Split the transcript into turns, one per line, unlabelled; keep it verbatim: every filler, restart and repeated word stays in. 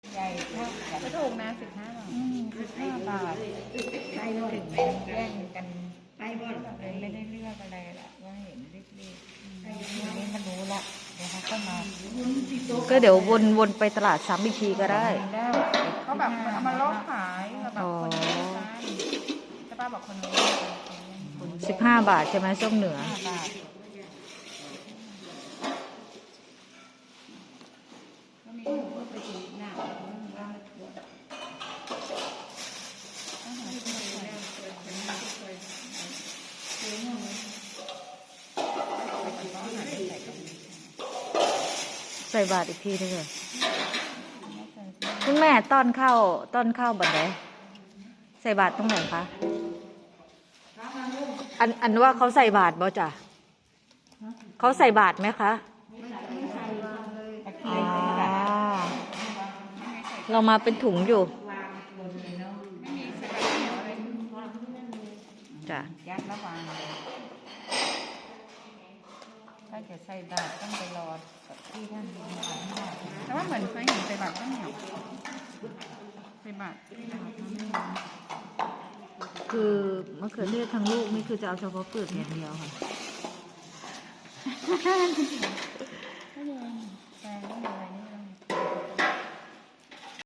ใหญ่เท่ากันก็ถูกนะสิบห้าบาทสิบห้าบาทใช่ถึงแม่แย่งกันไปบ่เลยไม่ได้เลือกอะไรละว่าเห็นรีบๆทีนี้มันรู้ละเดี๋ยวเขาก็มา
ก็เดี๋ยววนวนไปตลาดซ้ำอีกทีก็ได้
ได้เขาแบบเอามาลดขายแบบคนนี้กันแต่ป้าบอกคนนี้
สิบห้าบาทใช่ไหมส้มเหนือ
ห้าบาท
ใส่บาทอีกทีนึงเลยคุณแม่ต้อนข้าวต้อนข้าวบัดไหนใส่บาทตรงไหนคะอันอันว่าเขาใส่บาทบ่จ้ะเขาใส่บาทไหมคะอ๋อเรามาเป็นถุงอยู่จ้ะ
ยัดระหว่างถ้าจะใส่บาตรต้องไปรอที่ท่านแต่ว่าเหมือนเคยเห็นใส่บาตรข้าวเหนียวใส่บาตร
คือมะเขือเทศทั้งลูกนี่คือจะเอาเฉพาะเปลือกอย่างเดียวค่ะ
แกงอะไรนี่